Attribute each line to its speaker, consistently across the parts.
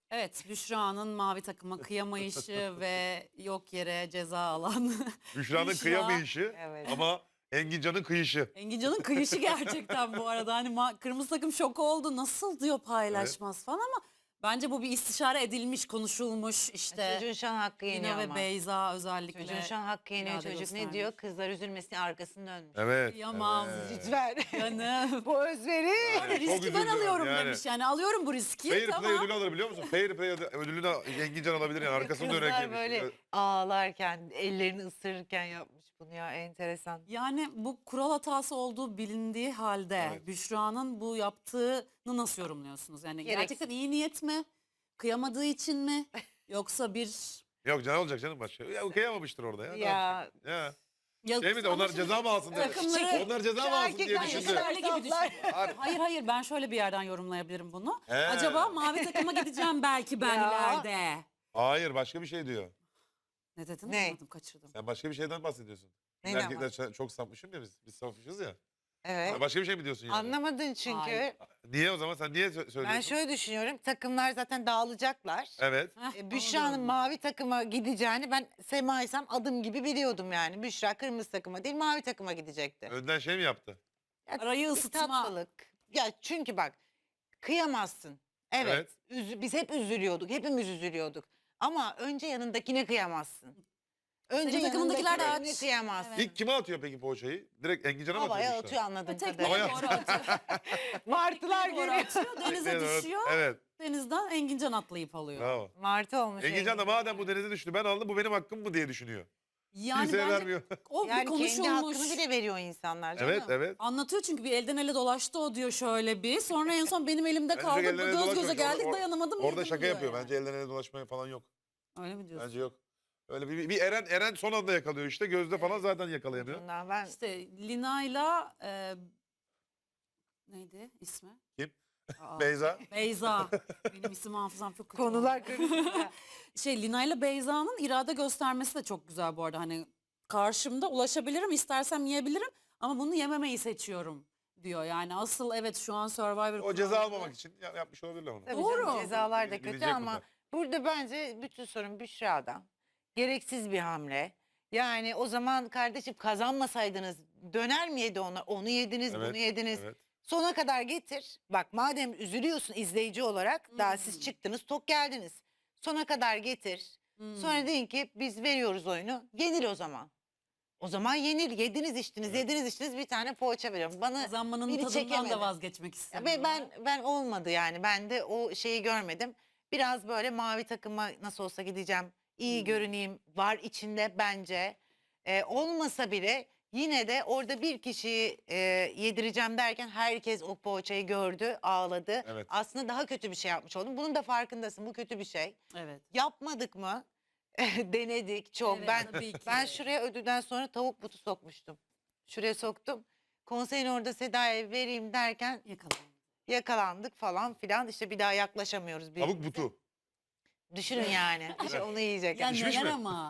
Speaker 1: Evet, Büşra'nın mavi takıma kıyamayışı ve yok yere ceza alan
Speaker 2: Büşra'nın
Speaker 1: Büşra.
Speaker 2: kıyamayışı
Speaker 3: Evet.
Speaker 2: ama Engincan'ın kıyışı.
Speaker 1: Engincan'ın kıyışı gerçekten bu arada. Hani kırmızı takım şok oldu. Nasıl diyor paylaşmaz falan ama bence bu bir istişare edilmiş, konuşulmuş işte.
Speaker 3: Çocuğun şu an hakkı yeniyor
Speaker 1: Lina ve
Speaker 3: ama.
Speaker 1: Beyza özellikle.
Speaker 3: Çocuğun şu an hakkı yeniyor.
Speaker 1: irade
Speaker 3: Çocuk
Speaker 1: göstermiş.
Speaker 3: ne diyor? Kızlar üzülmesin arkasını dönmüş.
Speaker 2: Evet.
Speaker 1: Kıyamam.
Speaker 2: evet.
Speaker 3: Lütfen.
Speaker 1: Canım.
Speaker 3: Bu özveri.
Speaker 2: Yani çok
Speaker 1: Riski ben
Speaker 2: üzüldüm
Speaker 1: alıyorum
Speaker 2: yani.
Speaker 1: demiş yani. Alıyorum bu riski.
Speaker 2: Fair
Speaker 1: tamam.
Speaker 2: play ödülü alır biliyor musun? Fair play ödülünü Engincan alabilir yani arkasını dönerek
Speaker 3: Kızlar
Speaker 2: yemiş.
Speaker 3: böyle ağlarken, ellerini ısırırken yapmış bunu ya. Enteresan.
Speaker 1: Yani bu kural hatası olduğu bilindiği halde
Speaker 2: Evet.
Speaker 1: Büşra'nın bu yaptığını nasıl yorumluyorsunuz? Yani
Speaker 3: Gereksiz.
Speaker 1: gerçekten iyi niyet mi? Kıyamadığı için mi? Yoksa bir...
Speaker 2: Yok can olacak canım başka. Ya kıyamamıştır orada ya. Ne
Speaker 3: Ya.
Speaker 2: yapacak? Ya.
Speaker 1: Ya,
Speaker 2: Şey mi de
Speaker 1: ama
Speaker 2: onlar
Speaker 1: şimdi
Speaker 2: ceza mı alsın diye.
Speaker 1: takımları-
Speaker 2: Onlar ceza mı alsın diye
Speaker 3: Erkekler
Speaker 2: düşündü.
Speaker 3: yaşlar-
Speaker 1: Öyle gibi
Speaker 3: Saplar.
Speaker 1: düşün. Hayır hayır ben şöyle bir yerden yorumlayabilirim bunu.
Speaker 2: He.
Speaker 1: Acaba mavi takıma gideceğim belki ben
Speaker 3: Ya.
Speaker 1: ileride.
Speaker 2: Hayır başka bir şey diyor.
Speaker 1: Ne dedin?
Speaker 3: Ne?
Speaker 1: Anladım, kaçırdım.
Speaker 2: Sen başka bir şeyden bahsediyorsun. Biz
Speaker 3: Neyden
Speaker 2: erkekler çok sapmışım ya biz. Biz sapmışız ya.
Speaker 3: Evet.
Speaker 2: Başka bir şey mi diyorsun yani?
Speaker 3: Anlamadın çünkü.
Speaker 1: Hayır.
Speaker 2: Niye o zaman sen niye söylüyorsun?
Speaker 3: Ben şöyle düşünüyorum. Takımlar zaten dağılacaklar.
Speaker 2: Evet.
Speaker 1: Heh,
Speaker 3: Büşra'nın
Speaker 1: anladım.
Speaker 3: mavi takıma gideceğini ben Sema'ysam adım gibi biliyordum yani. Büşra kırmızı takıma değil mavi takıma gidecekti.
Speaker 2: Önden şey mi yaptı?
Speaker 3: Ya,
Speaker 1: Arayı
Speaker 3: bir
Speaker 1: ısıtma.
Speaker 3: tatlılık. Ya çünkü bak kıyamazsın. Evet. Biz hep üzülüyorduk. Hepimiz üzülüyorduk. Ama önce yanındakine kıyamazsın. Önce
Speaker 1: Senin takımındakiler de
Speaker 3: yanındakine
Speaker 1: aç.
Speaker 3: kıyamazsın.
Speaker 1: Evet.
Speaker 2: İlk kime atıyor peki poğaçayı? Direkt Engincan'a mı
Speaker 3: Havaya
Speaker 2: atıyor?
Speaker 3: atıyor anladığım
Speaker 1: Tekneye
Speaker 3: kadarıyla.
Speaker 2: Havaya-
Speaker 1: doğru atıyor.
Speaker 3: Martılar
Speaker 1: Doğru
Speaker 3: görüyor.
Speaker 1: atıyor. Denize
Speaker 2: Evet,
Speaker 1: düşüyor.
Speaker 2: Evet.
Speaker 1: Denizden Engincan atlayıp alıyor.
Speaker 2: Bravo.
Speaker 3: Martı olmuş.
Speaker 2: Engincan da madem bu denize düştü ben aldım bu benim hakkım mı diye düşünüyor.
Speaker 1: Yani
Speaker 2: Kimseye
Speaker 1: bence
Speaker 2: vermiyor.
Speaker 1: o bir
Speaker 3: Yani kendi
Speaker 1: konuşulmuş.
Speaker 3: hakkını bile veriyor insanlar canım.
Speaker 2: Evet evet.
Speaker 1: Anlatıyor çünkü bir elden ele dolaştı o diyor şöyle bir. Sonra en son benim elimde
Speaker 2: Bence
Speaker 1: kaldı.
Speaker 2: elden ele
Speaker 1: Göz göze
Speaker 2: dolaşmamış.
Speaker 1: geldik dayanamadım.
Speaker 2: Orada
Speaker 1: yedim
Speaker 2: şaka
Speaker 1: diyor
Speaker 2: yapıyor.
Speaker 1: yani.
Speaker 2: Bence elden ele dolaşmaya falan yok.
Speaker 1: Öyle mi diyorsun?
Speaker 2: Bence yok. Öyle bir Eren son anda yakalıyor işte. Gözde falan zaten yakalayamıyor.
Speaker 3: Bundan ben
Speaker 1: İşte Lina'yla neydi ismi?
Speaker 2: Kim?
Speaker 1: Aa,
Speaker 2: Beyza.
Speaker 1: Beyza. Benim isim hafızam çok kötü.
Speaker 3: konular
Speaker 1: oldu.
Speaker 3: karışık.
Speaker 1: Lina'yla Beyza'nın irade göstermesi de çok güzel bu arada. Hani karşımda ulaşabilirim, istersem yiyebilirim ama bunu yememeyi seçiyorum diyor. Yani asıl evet şu an Survivor
Speaker 2: O ceza
Speaker 1: kuralları-
Speaker 2: almamak için yapmış olabilirler onu.
Speaker 3: Tabii
Speaker 1: Doğru.
Speaker 3: canım, cezalar da kötü
Speaker 2: Bilecek
Speaker 3: ama
Speaker 2: bunlar.
Speaker 3: burada bence bütün sorun Büşra'dan. Gereksiz bir hamle. Yani o zaman kardeşim kazanmasaydınız döner miydi ona? Onu yediniz,
Speaker 2: Evet,
Speaker 3: bunu yediniz.
Speaker 2: evet.
Speaker 3: Sona kadar getir. Bak madem üzülüyorsun izleyici olarak daha siz çıktınız tok geldiniz. Sona kadar getir. Sonra deyin ki biz veriyoruz oyunu. Yenil o zaman. O zaman yenil. Yediniz içtiniz, yediniz içtiniz bir tane poğaça veriyorum. Bana
Speaker 1: Kazanmanın
Speaker 3: biri
Speaker 1: tadından
Speaker 3: çekemedi.
Speaker 1: da vazgeçmek
Speaker 3: Ya
Speaker 1: istemiyor.
Speaker 3: ben olmadı yani. Ben de o şeyi görmedim. Biraz böyle mavi takıma nasıl olsa gideceğim. İyi görüneyim var içinde bence. Olmasa bile yine de orada bir kişiyi yedireceğim derken herkes o poğaçayı gördü, ağladı.
Speaker 2: Evet.
Speaker 3: Aslında daha kötü bir şey yapmış oldum. Bunun da farkındasın. Bu kötü bir şey.
Speaker 1: Evet.
Speaker 3: Yapmadık mı? Denedik çok.
Speaker 1: Evet, tabii ki.
Speaker 3: Ben şuraya ödülden sonra tavuk butu sokmuştum. Şuraya soktum. Konseyin orada Seda'ya vereyim derken
Speaker 1: Yakalandı.
Speaker 3: yakalandık falan filan. İşte bir daha yaklaşamıyoruz
Speaker 2: Tavuk
Speaker 3: birbirimize.
Speaker 2: butu.
Speaker 3: Düşünün yani. İşte onu yiyecek.
Speaker 1: Ya
Speaker 2: Pişmiş
Speaker 1: neler
Speaker 2: mi?
Speaker 1: ama.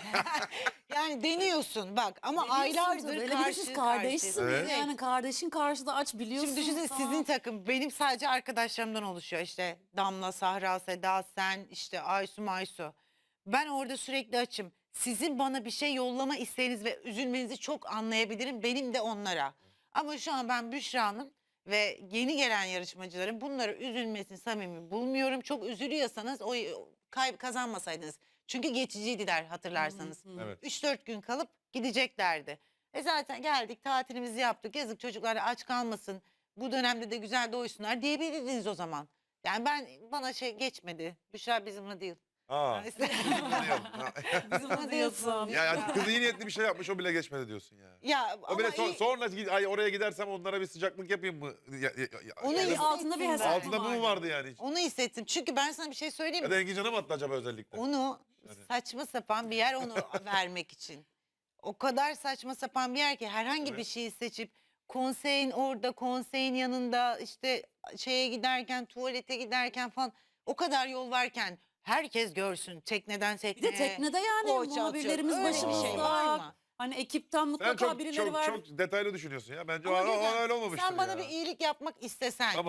Speaker 3: Yani deniyorsun bak ama
Speaker 1: Deniyorsun
Speaker 3: aylardır
Speaker 1: tabii. Hele bir de siz
Speaker 3: karşı
Speaker 1: kardeşsiniz.
Speaker 2: Evet.
Speaker 1: Yani kardeşin karşıda aç biliyorsun.
Speaker 3: Şimdi düşünsene
Speaker 1: tamam.
Speaker 3: sizin takım benim sadece arkadaşlarımdan oluşuyor. İşte Damla, Sahra, Seda, sen, işte Aysu, Maysu. Ben orada sürekli açım. Sizin bana bir şey yollama isteğiniz ve üzülmenizi çok anlayabilirim. Benim de onlara. Ama şu an ben Büşra'nın ve yeni gelen yarışmacıların bunları üzülmesini samimi bulmuyorum. Çok üzülüyorsanız o kazanmasaydınız. Çünkü geçiciydiler hatırlarsanız.
Speaker 2: Evet.
Speaker 3: 3-4 gün kalıp gideceklerdi. Zaten geldik tatilimizi yaptık. Yazık çocuklar aç kalmasın. Bu dönemde de güzel doysunlar diyebilirdiniz o zaman. Yani bana şey geçmedi. Büşra bizimle değil.
Speaker 2: Aa. Anlıyorum.
Speaker 1: Bizim diyorsun.
Speaker 2: Ya kız iyi niyetli bir şey yapmış o bile geçmedi diyorsun ya.
Speaker 3: Ya
Speaker 2: O bile
Speaker 3: ama
Speaker 2: sonra ay oraya gidersem onlara bir sıcaklık yapayım mı?
Speaker 3: Onu
Speaker 2: Ya da-
Speaker 3: iyi-
Speaker 1: Altında bir hesap
Speaker 2: altında bu mu vardı yani hiç?
Speaker 3: onu hissettim. Çünkü ben sana bir şey söyleyeyim
Speaker 2: Ya
Speaker 3: mi?
Speaker 2: da Engincan'a mı attı acaba özellikle?
Speaker 3: Onu
Speaker 2: Yani.
Speaker 3: saçma sapan bir yer onu vermek için. O kadar saçma sapan bir yer ki herhangi bir
Speaker 2: Evet.
Speaker 3: şeyi seçip konseyin orada, konseyin yanında işte şeye giderken, tuvalete giderken falan o kadar yol varken herkes görsün tekneden
Speaker 1: Bir
Speaker 3: tekneye.
Speaker 1: de teknede yani
Speaker 3: poğaça
Speaker 1: muhabirlerimiz
Speaker 3: atıyor. Öyle bir
Speaker 1: başımızda.
Speaker 3: şey var mı?
Speaker 1: Hani ekipten
Speaker 2: Sen
Speaker 1: mutlaka
Speaker 2: çok
Speaker 1: birileri
Speaker 2: çok
Speaker 1: var.
Speaker 2: çok detaylı düşünüyorsun ya. Bence
Speaker 3: Ama
Speaker 2: o
Speaker 3: güzel.
Speaker 2: öyle olmamıştır
Speaker 3: Sen bana
Speaker 2: ya.
Speaker 3: bir iyilik yapmak istesen.
Speaker 2: Tamam.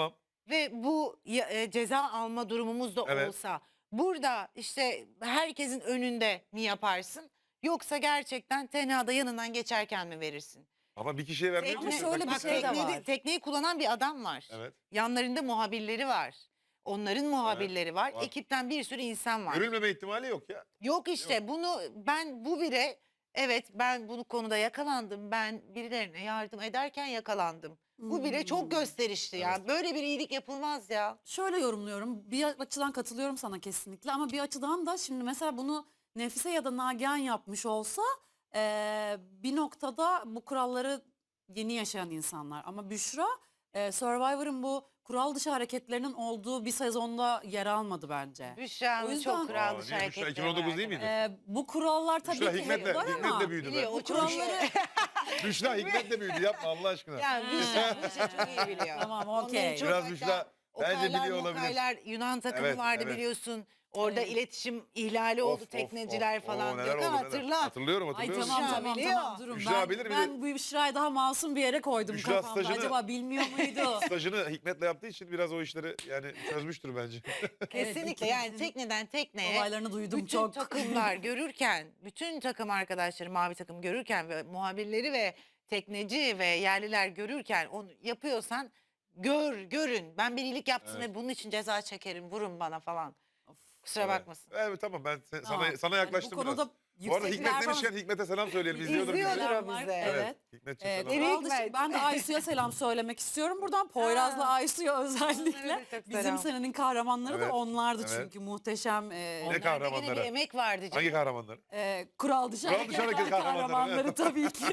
Speaker 3: ve bu ceza alma durumumuz da
Speaker 2: Evet.
Speaker 3: olsa burada işte herkesin önünde mi yaparsın? Yoksa gerçekten tenhada yanından geçerken mi verirsin?
Speaker 2: Ama bir kişiye vermeye
Speaker 1: Ama
Speaker 2: çalışıyor.
Speaker 1: şöyle bir
Speaker 3: Bak,
Speaker 1: şey de
Speaker 3: tekneyi-
Speaker 1: var.
Speaker 3: Tekneyi kullanan bir adam var.
Speaker 2: Evet.
Speaker 3: Yanlarında muhabirleri var. Onların muhabirleri var.
Speaker 2: var.
Speaker 3: Ekipten bir sürü insan var.
Speaker 2: Görülmeme ihtimali yok ya.
Speaker 3: Yok işte bunu bu bire evet ben bu konuda yakalandım. Ben birilerine yardım ederken yakalandım. Bu bire çok gösterişli ya. Böyle bir iyilik yapılmaz ya.
Speaker 1: Şöyle yorumluyorum. Bir açıdan katılıyorum sana kesinlikle ama bir açıdan da şimdi mesela bunu Nefise ya da Nagihan yapmış olsa bir noktada bu kuralları yeni yaşayan insanlar. Ama Büşra Survivor'ın bu kural dışı hareketlerinin olduğu bir sezonda yer almadı bence. O
Speaker 3: Büşra'nın
Speaker 1: yüzden-
Speaker 3: çok kural dışı
Speaker 2: Niye Büşra
Speaker 3: hareketleri
Speaker 2: 2019
Speaker 3: var
Speaker 2: değil miydi?
Speaker 1: Bu kurallar tabii
Speaker 2: Büşra
Speaker 1: ki
Speaker 2: Hikmet'le-
Speaker 1: var ama
Speaker 2: Hikmet'le büyüdü
Speaker 3: biliyor,
Speaker 2: be.
Speaker 3: o çok
Speaker 1: kuralları
Speaker 2: Büşra Hikmet'le büyüdü yapma Allah aşkına.
Speaker 3: yani Büşra çok iyi biliyor.
Speaker 1: Tamam,
Speaker 3: Onların
Speaker 1: okey.
Speaker 3: çok
Speaker 2: Biraz
Speaker 3: hatta
Speaker 2: Büşra bence
Speaker 3: Okaylar,
Speaker 2: biliyor olabilir.
Speaker 3: Mokaylar, Yunan takımı
Speaker 2: Evet,
Speaker 3: vardı
Speaker 2: evet.
Speaker 3: biliyorsun. Orada
Speaker 1: Evet.
Speaker 3: iletişim ihlali oldu tekneciler falan.
Speaker 2: neler
Speaker 3: Gökhan
Speaker 2: oldu, neler.
Speaker 3: hatırla.
Speaker 2: Hatırlıyorum
Speaker 1: Ay
Speaker 2: hatırlıyorum.
Speaker 1: tamam
Speaker 3: Büşra
Speaker 1: tamam
Speaker 3: biliyor.
Speaker 1: tamam durun.
Speaker 2: Büşra bilir,
Speaker 1: Ben bu Büşra'yı daha masum bir yere koydum
Speaker 2: Büşra
Speaker 1: kafamda.
Speaker 2: stajını-
Speaker 1: Acaba bilmiyor muydu?
Speaker 2: Stajını Hikmet'le yaptığı için biraz o işleri yani çözmüştür bence.
Speaker 3: Kesinlikle yani tekneden tekneye
Speaker 1: Olaylarını duydum
Speaker 3: bütün
Speaker 1: çok.
Speaker 3: takımlar görürken, bütün takım arkadaşları mavi takım görürken ve muhabirleri ve tekneci ve yerliler görürken onu yapıyorsan görün. Ben bir iyilik yaptım
Speaker 2: Evet.
Speaker 3: ve bunun için ceza çekerim, vurun bana falan. Kusura
Speaker 2: Evet.
Speaker 3: bakmasın.
Speaker 2: Evet tamam ben
Speaker 1: Tamam.
Speaker 2: sana
Speaker 1: Yani
Speaker 2: yaklaştım
Speaker 1: bu konuda
Speaker 2: biraz. Bu arada
Speaker 1: yüksek
Speaker 2: Hikmet
Speaker 1: performans-
Speaker 2: demişken Hikmet'e selam söyleyelim. İzliyordur bizi.
Speaker 3: İzliyordur.
Speaker 1: Selam
Speaker 3: o
Speaker 1: var.
Speaker 3: bize.
Speaker 1: Evet.
Speaker 2: Hikmet'ciğim selam.
Speaker 3: Evet.
Speaker 1: Kural dışı-
Speaker 3: Hikmet.
Speaker 1: ben de Aysu'ya selam söylemek istiyorum. Buradan Poyraz'la Aysu'ya özellikle.
Speaker 3: Onlara da çok
Speaker 1: Bizim
Speaker 3: selam.
Speaker 1: senenin kahramanları
Speaker 2: Evet,
Speaker 1: da onlardı
Speaker 2: evet.
Speaker 1: çünkü muhteşem
Speaker 3: Onlarda yine
Speaker 2: kahramanları?
Speaker 3: bir emek vardı canım.
Speaker 2: Hangi kahramanları?
Speaker 1: kural dışı
Speaker 2: Kural dışı hareket kahramanları,
Speaker 1: kahramanları
Speaker 2: evet.
Speaker 1: tabii ki.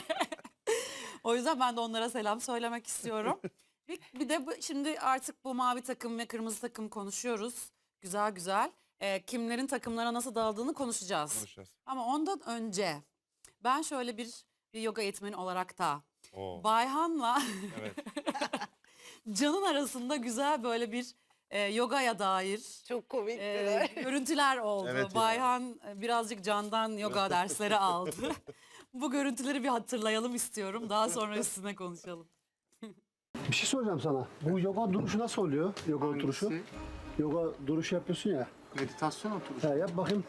Speaker 1: O yüzden ben de onlara selam söylemek istiyorum. Bir de şimdi artık bu mavi takım ve kırmızı takım konuşuyoruz. Güzel güzel. Kimlerin takımlara nasıl dağıldığını konuşacağız.
Speaker 2: Konuşacağız.
Speaker 1: Ama ondan önce ben şöyle bir yoga eğitmeni olarak da
Speaker 2: Oo.
Speaker 1: Bayhan'la
Speaker 2: Evet.
Speaker 1: Can'ın arasında güzel böyle bir yogaya dair
Speaker 3: Çok komikti.
Speaker 1: görüntüler oldu.
Speaker 2: Evet ya.
Speaker 1: Bayhan birazcık Can'dan yoga dersleri aldı. Bu görüntüleri bir hatırlayalım istiyorum. Daha sonra üstüne konuşalım.
Speaker 4: Bir şey soracağım sana. Bu yoga duruşu nasıl oluyor? Yoga oturuşu.
Speaker 5: Hangisi?
Speaker 4: Yoga duruşu yapıyorsun ya.
Speaker 5: Meditasyon oturuşu.
Speaker 4: Ha, yap bakayım.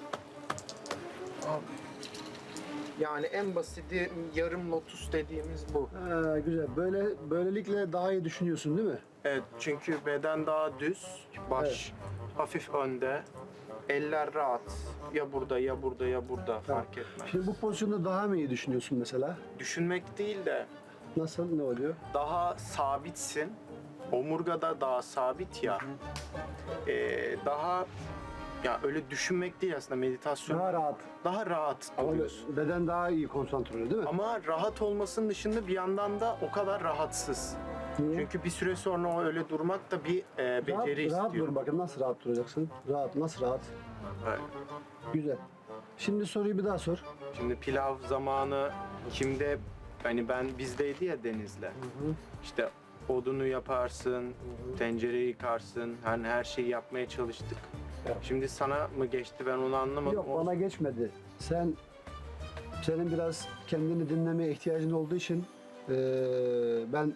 Speaker 5: Abi. Yani en basiti yarım lotus dediğimiz bu.
Speaker 4: Ha, güzel. Böylelikle daha iyi düşünüyorsun değil mi?
Speaker 5: Evet, çünkü beden daha düz, baş hafif önde, eller rahat. Ya burada ya burada ya burada fark etmez.
Speaker 4: Şimdi bu pozisyonda daha mı iyi düşünüyorsun mesela?
Speaker 5: Düşünmek değil de
Speaker 4: Nasıl? Ne oluyor?
Speaker 5: daha sabitsin. Omurgada daha sabit ya. Daha ya öyle düşünmek değil aslında meditasyon.
Speaker 4: Daha rahat.
Speaker 5: Daha rahat
Speaker 4: Ama
Speaker 5: oluyorsun.
Speaker 4: beden daha iyi konsantre oluyor değil mi?
Speaker 5: Ama rahat olmasının dışında bir yandan da o kadar rahatsız.
Speaker 4: Niye?
Speaker 5: Çünkü bir süre sonra o öyle durmak da bir beceri
Speaker 4: rahat
Speaker 5: istiyor.
Speaker 4: dur bakayım. Nasıl rahat duracaksın? Rahat. Nasıl rahat?
Speaker 5: Evet.
Speaker 4: Güzel. Şimdi soruyu bir daha sor.
Speaker 5: Şimdi pilav zamanı kimde hani bizdeydi ya Deniz'le. İşte odunu yaparsın, tencereyi yıkarsın. Hani her şeyi yapmaya çalıştık.
Speaker 4: Evet.
Speaker 5: Şimdi sana mı geçti ben onu anlamadım.
Speaker 4: Yok bana geçmedi. Senin biraz kendini dinlemeye ihtiyacın olduğu için ben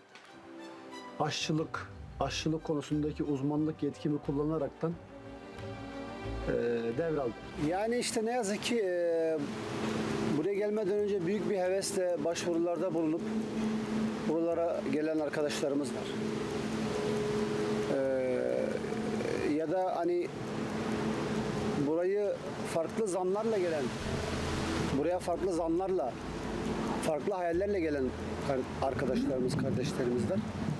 Speaker 4: aşçılık konusundaki uzmanlık yetkimi kullanaraktan devraldım. Yani işte ne yazık ki buraya gelmeden önce büyük bir hevesle başvurularda bulunup buralara gelen arkadaşlarımız var. Ya da hani burayı farklı zanlarla gelen, buraya farklı zanlarla, farklı hayallerle gelen arkadaşlarımız, kardeşlerimizden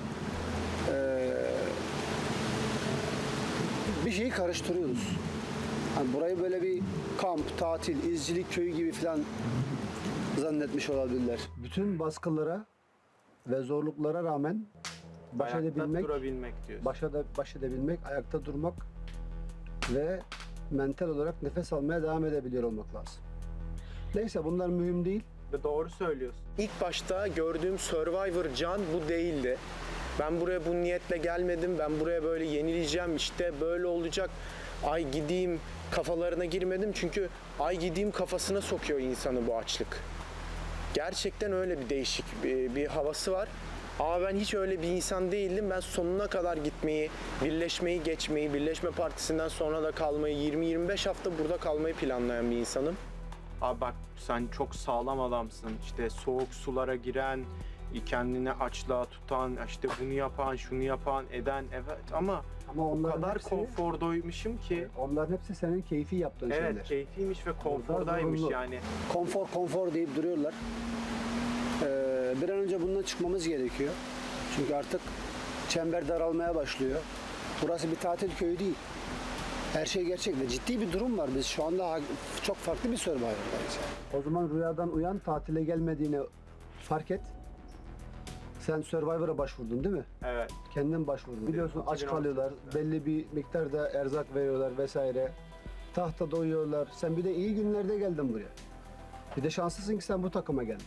Speaker 4: bir şeyi karıştırıyoruz. Hani burayı böyle bir kamp, tatil, izcilik köyü gibi falan zannetmiş olabilirler. Bütün baskılara ve zorluklara rağmen baş
Speaker 5: Ayakta
Speaker 4: edebilmek,
Speaker 5: durabilmek diyorsun.
Speaker 4: baş edebilmek, ayakta durmak ve mental olarak nefes almaya devam edebiliyor olmak lazım. Neyse bunlar mühim değil.
Speaker 5: Ve doğru söylüyorsun. İlk başta gördüğüm Survivor Can bu değildi. Ben buraya bu niyetle gelmedim. Ben buraya böyle yenileceğim işte böyle olacak. Ay gideyim kafalarına girmedim. Çünkü ay gideyim kafasına sokuyor insanı bu açlık. Gerçekten öyle bir değişik bir havası var. Ama ben hiç öyle bir insan değildim. Ben sonuna kadar gitmeyi, birleşmeyi geçmeyi, Birleşme Partisi'nden sonra da kalmayı, 20-25 hafta burada kalmayı planlayan bir insanım.
Speaker 6: Abi bak sen çok sağlam adamsın. İşte soğuk sulara giren, kendini açlığa tutan, işte bunu yapan, şunu yapan, eden, evet ama
Speaker 4: Ama
Speaker 6: o
Speaker 4: onların
Speaker 6: kadar
Speaker 4: hepsi,
Speaker 6: konfordoymuşum ki.
Speaker 4: onların hepsi senin keyfi yaptığın
Speaker 6: Evet,
Speaker 4: şeyler.
Speaker 6: keyfiymiş ve konfordaymış
Speaker 4: zorunlu.
Speaker 6: yani.
Speaker 4: Konfor deyip duruyorlar. Bir an önce bundan çıkmamız gerekiyor. Çünkü artık çember daralmaya başlıyor. Burası bir tatil köyü değil. Her şey gerçek ve ciddi bir durum var. Biz şu anda çok farklı bir Survivor'dayız. O zaman rüyadan uyan, tatile gelmediğini fark et. Sen Survivor'a başvurdun değil mi?
Speaker 6: Evet.
Speaker 4: Kendin başvurdun. Biliyorsun aç
Speaker 6: 2018'de.
Speaker 4: kalıyorlar. Belli bir miktarda erzak veriyorlar vesaire. Tahtada uyuyorlar. Sen bir de iyi günlerde geldin buraya. Bir de şanslısın ki sen bu takıma geldin.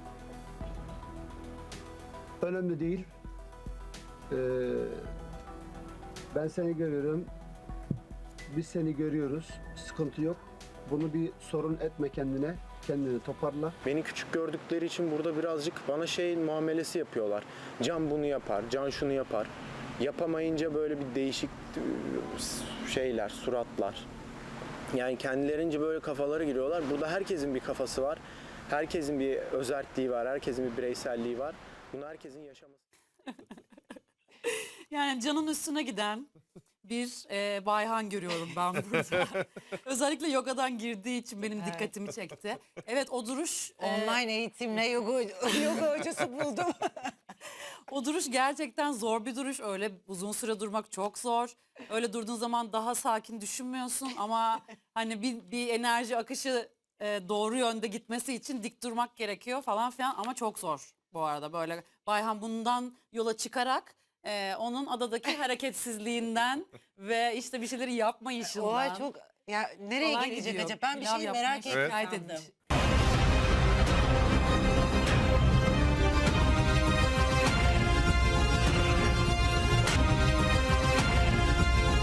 Speaker 4: Önemli değil. Ee, ben seni görüyorum. Biz seni görüyoruz. Sıkıntı yok. Bunu bir sorun etme kendine. Kendini toparla.
Speaker 5: Beni küçük gördükleri için burada birazcık bana şey muamelesi yapıyorlar. Can bunu yapar, Can şunu yapar. Yapamayınca böyle bir değişik şeyler, suratlar. Yani kendilerince böyle kafalara giriyorlar. Burada herkesin bir kafası var. Herkesin bir özerkliği var, herkesin bir bireyselliği var. Bunu herkesin yaşaması.
Speaker 1: Yani Can'ın üstüne giden bir Bayhan görüyorum ben burada. Özellikle yogadan girdiği için benim
Speaker 3: Evet.
Speaker 1: dikkatimi çekti. Evet, o duruş
Speaker 3: Online eğitimle yoga hocası buldum.
Speaker 1: o duruş gerçekten zor bir duruş. Öyle uzun süre durmak çok zor. Öyle durduğun zaman daha sakin düşünmüyorsun ama hani bir enerji akışı doğru yönde gitmesi için dik durmak gerekiyor falan filan ama çok zor bu arada. Böyle Bayhan bundan yola çıkarak onun adadaki hareketsizliğinden ve işte bir şeyleri yapmayışından
Speaker 3: Oha çok ya nereye
Speaker 1: falan
Speaker 3: gelecek
Speaker 1: gidiyor.
Speaker 3: acaba? Ben bir
Speaker 1: Pilav
Speaker 3: şey
Speaker 1: yapmaya
Speaker 3: merak
Speaker 2: Evet.
Speaker 1: şikayet
Speaker 3: ettim.
Speaker 1: etmiş.